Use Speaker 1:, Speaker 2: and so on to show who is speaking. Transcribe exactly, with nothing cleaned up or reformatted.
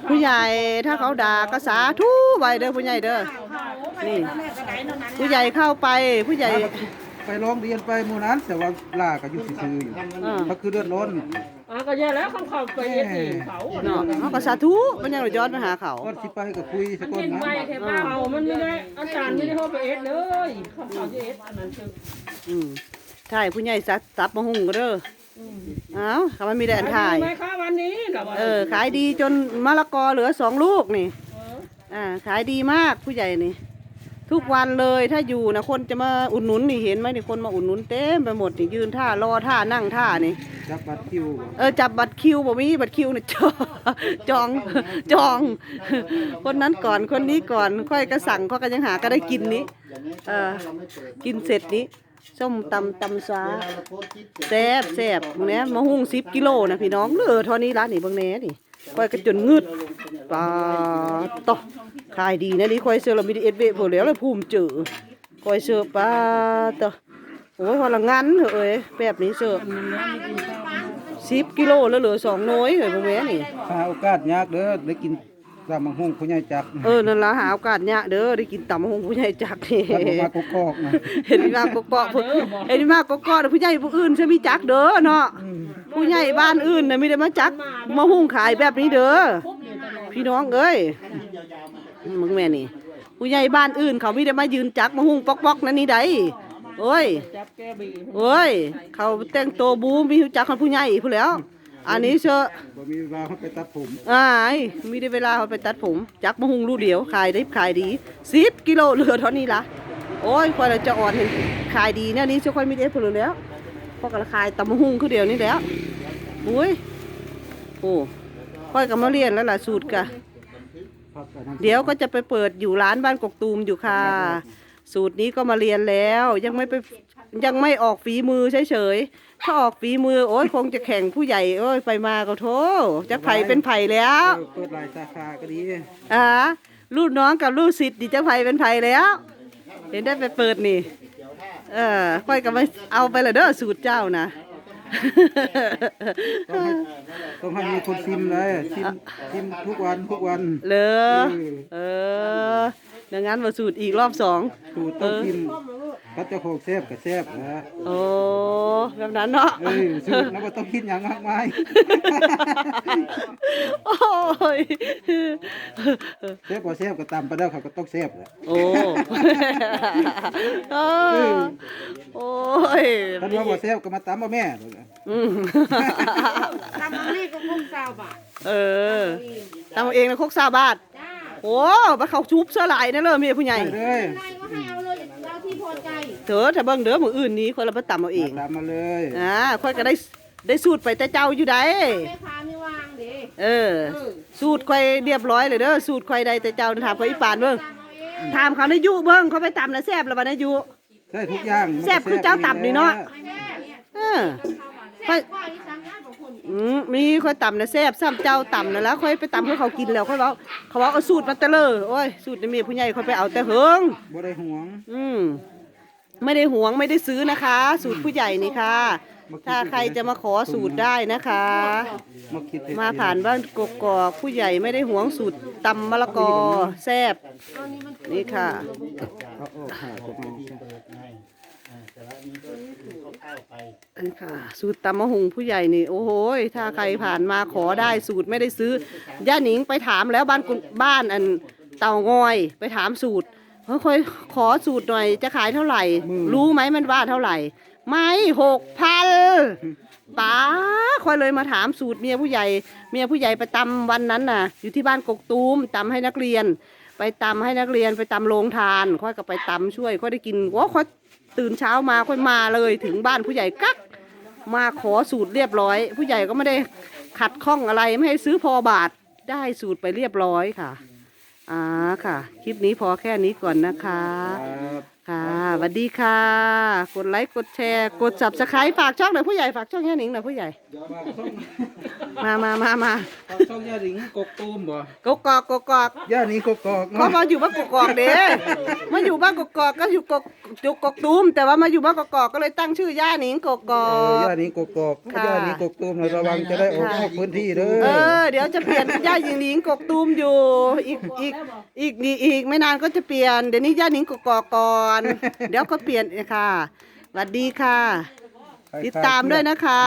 Speaker 1: ผู้ใหญ่ถ้าเขาด่าก็สาธุไว้เด้อผู้ใหญ่เด้อนี่ผู้ใหญ่เข้าไปผู้ใหญ่
Speaker 2: ไปร้องเรียนไปหมู่นั้นแต่ว่าล่าก็อยู่ซื่อๆอยู่เขาคือเดือดร้อน
Speaker 3: อ่าก็แย่แล้วเขาเข้าไปเอ็ดเองเขา
Speaker 1: เนาะเขาก็สาธุมันยังย้อนมาหาเขา
Speaker 2: ก็สิไปก็คุยสักคนนะ
Speaker 3: ไปแค่บ้านเขามันไม่ได้อาจารย์ไม่ได้เข้าไปเอ็ดเลยเขาเข้าไปเอ็ดอันนั้นคือ
Speaker 1: อืมใช่ผู้ใหญ่ซัดซับมาหุ่งก็เด้อเอ้าเขามันมีแดนถ่าย
Speaker 3: ไหมคะวันนี้
Speaker 1: เออขายดีจนมะละกอเหลือสองลูกนี่อ่าขายดีมากผู้ใหญ่นี่ทุกวันเลยถ้าอยู่นะคนจะมาอุดหนุนนี่เห็นไหมนี่คนมาอุดหนุนเต็มไปหมดนี่ยืนท่ารอท่านั่งท่านี่
Speaker 2: จับบัตรคิว
Speaker 1: เออจับบัตรคิวบ่มีบัตรคิวนี่จองจองจองคนนั้นก่อนคนนี้ก่อนค่อยกระสั่งเขาก็ยังหาก็ได้กินนี้เออกินเสร็จนี้ส้มตำตำซาแซ่บแซ่บมึงเนี้ยมะฮุ่งสิบกิโลนะพี่น้องเหลือเท่านี้ร้านนี่บางแน่นี่ค่อยกระจนงึดปลาต่อขายดีนะนี่ค่อยเชื่อเรามีดีเอสเวพอแล้วเลยภูมิเจอค่อยเชื่อปลาต่อโอ้ยพอละงั้นเอ้ยแบบนี้เชื่อสิบกิโลแล้วเหลือสองน้อยเลยบางแน่นี่
Speaker 2: หาโอกาสยากเด้อได้กินตำมะฮุ่งผู้ใหญ่จัก
Speaker 1: เออนั่นละหาโอกาสเนี่ยเด้อได้กินตำมะฮุ่งผู้ใหญ่จักนี่
Speaker 2: มากกอกนะ
Speaker 1: เห็นมากกอกเห็นมากกอกผู้ใหญ่ผู้อื่นใช่ไหมจักเด้อเนาะผู้ใหญ่บ้านอื่นน่ะไม่ได้มาจักมะฮุ่งขายแบบนี้เด้อพี่น้องเอ้ยมึงแม่นี่ผู้ใหญ่บ้านอื่นเขาไม่ได้มายืนจักมะฮุ่งปอกๆนั่นนี่ได้โอ้ยโอ้ยเขาแต่งตัวบูมีจักคนผู้ใหญ่ผู้แล้วอันนี้เชอะ
Speaker 2: บ่มีเวลาเขาไปตัดผม
Speaker 1: อ่ามีได้เวลาเขาไปตัดผมจักมะฮุงลูกเดียวขายได้ขายดีสิบกิโลเหลือเท่านี้ละโอ้ยควายเราจะอ่อนเห็นขายดีเนี่ยนี้ช่วยค่อยมีได้ผลแล้วพอกันขายตำมะฮุงคือเดียวนี่แล้วอุ้ยโอ้ค่อยกับมาเรียนแล้วล่ะสูตรกะเดี๋ยวก็จะไปเปิดอยู่ร้านบ้านกกตูมอยู่ค่ะสูตรนี้ก็มาเรียนแล้วยังไม่ไปยังไม่ออกฝีมือเฉยๆถ้าออกฝีมือโอ้ยคงจะแข่งผู้ใหญ่โอ้ยไปมาก็โถจะไผ่เป็นไผ่แล้ว
Speaker 2: เปิดหลายสาขาก็ดี
Speaker 1: อ่าลูกน้องกับลูกศิษย์ดิจะไผ่เป็นไผ่แล้วเห็นได้ไปเปิดนี่เออค่อยกับมาเอาไปเลยเด้อสูตรเจ้านะ
Speaker 2: ต้องให้มีคนชิมเลยชิมชิมทุกวันทุกวัน
Speaker 1: เลยเออดังนั้นมาสูตรอีกรอบสอง
Speaker 2: สูตรต้องชิมก็จะโคกแซ่บกับแซ่บนะ
Speaker 1: โอ้แบบนั้นเนาะ
Speaker 2: เออสูตรแล้วก็ต้องคิดอย่างมากมาย
Speaker 1: โอ้ย
Speaker 2: แซ่บกว่าแซ่บก็ตามไปแล้วเขาก็ต้องแซ่บแหละ
Speaker 1: โอ้โอ้ย
Speaker 2: ถ้าว่าบ่แซ่บก็มาตามบ่แม่
Speaker 3: ตำมันนี่ก็คงเศร้าบาท
Speaker 1: เออตำเองนะคกซาบาทโอ้ไปเขาชุบเสื้อลายนั่นเลยมีผู้ใหญ่
Speaker 2: เลย
Speaker 1: เถอะถ้าเบิ่งเด้อมืออื่นนี้คนเราไปตำเอาเอง
Speaker 2: ตำมาเลย
Speaker 1: อ่าค่อยก็ได้ได้สูตรไปแต่เจ้าอยู่ได้เออสูตรค่อยเรียบร้อยเลยเด้อสูตรค่อยได้แต่เจ้าถามเขาอีปานเบิ่งถามเขาในยุเบิ่งเขาไปตำแล้วแซ่บแล้วบ่ในยุ
Speaker 2: ใช่ทุกอย่าง
Speaker 1: แซ่บคือเจ้าตำนี่เนาะเออค่อยอืมมีค่อยตำนะแซ่บซ้ำเจ้าตำนั่นแล้วค่อยไปตำให้เขากินแล้วค่อยบอกเขาบอกเอาสูตรมาแต่เลยโอ้ยสูตรนี่มีผู้ใหญ่ค่อยไปเอาแต่เฮิง
Speaker 2: บ่ได้หวง
Speaker 1: อืมไม่ได้หวงไม่ได้ซื้อนะคะ สูตรผู้ใหญ่นี่ค่ะถ้าใครจะมาขอสูตรได้นะคะมาผ่านบ้านกกอกผู้ใหญ่ไม่ได้หวงสูตรตำมะละกอแซ่บนี่ค่ะนี่ค่ะสูตรตำมะฮุงผู้ใหญ่นี่โอ้โหถ้าใครผ่านมาขอได้สูตรไม่ได้ซื้อย่าหนิงไปถามแล้วบ้านบ้านอันเต่างอยไปถามสูตรเขาค่อยขอสูตรหน่อยจะขายเท่าไหร่รู้ไหมมันว่าเท่าไหร่ไม่หกพันป้าค่อยเลยมาถามสูตรเมียผู้ใหญ่เมียผู้ใหญ่ไปตำวันนั้นน่ะอยู่ที่บ้านกกตูมตำให้นักเรียนไปตำให้นักเรียนไปตำโรงทานค่อยก็ไปตำช่วยค่อยได้กินว้าค่อยตื่นเช้ามาค่อยมาเลยถึงบ้านผู้ใหญ่กักมาขอสูตรเรียบร้อยผู้ใหญ่ก็ไม่ได้ขัดข้องอะไรไม่ให้ซื้อพอบาทได้สูตรไปเรียบร้อยค่ะอ่าค่ะคลิปนี้พอแค่นี้ก่อนนะคะค่ะสวัสดีค่ะ กดไลค์กดแชร์กด Subscribe ฝากช่องหน่อยผู้ใหญ่ฝากช่องแค่หนิงหน่อยผู้ใหญ่ มามามามา
Speaker 2: ช่องย่าหนิงกกตูมบ่
Speaker 1: กกอกกกอก
Speaker 2: ย่าหนิงกกอก
Speaker 1: เขามาอยู่บ้านกกอกเด้มาอยู่บ้านกกอกก็อยู่กกอยู่กกตูมแต่ว่ามาอยู่บ้านกกอกก็เลยตั้งชื่อย่าหนิงกกอ
Speaker 2: เออย่าก หนิงกกอก
Speaker 1: ค่ะ
Speaker 2: ย่าหนิงกกตูมนะระวังจะได้ออกนอกพื้นที่เด้
Speaker 1: เอ
Speaker 2: อ
Speaker 1: อเดี๋ยวจะเปลี่ยนย่าหญิงกกตูมอยู่อีกอีกอีกอีกอีกไม่นานก็จะเปลี่ยนเดี๋ยวนี้ย่าหนิงกกอกก่อนเดี๋ยวก็เปลี่ยนค่ะสวัสดีค่ะ ติดตามด้วยนะคะ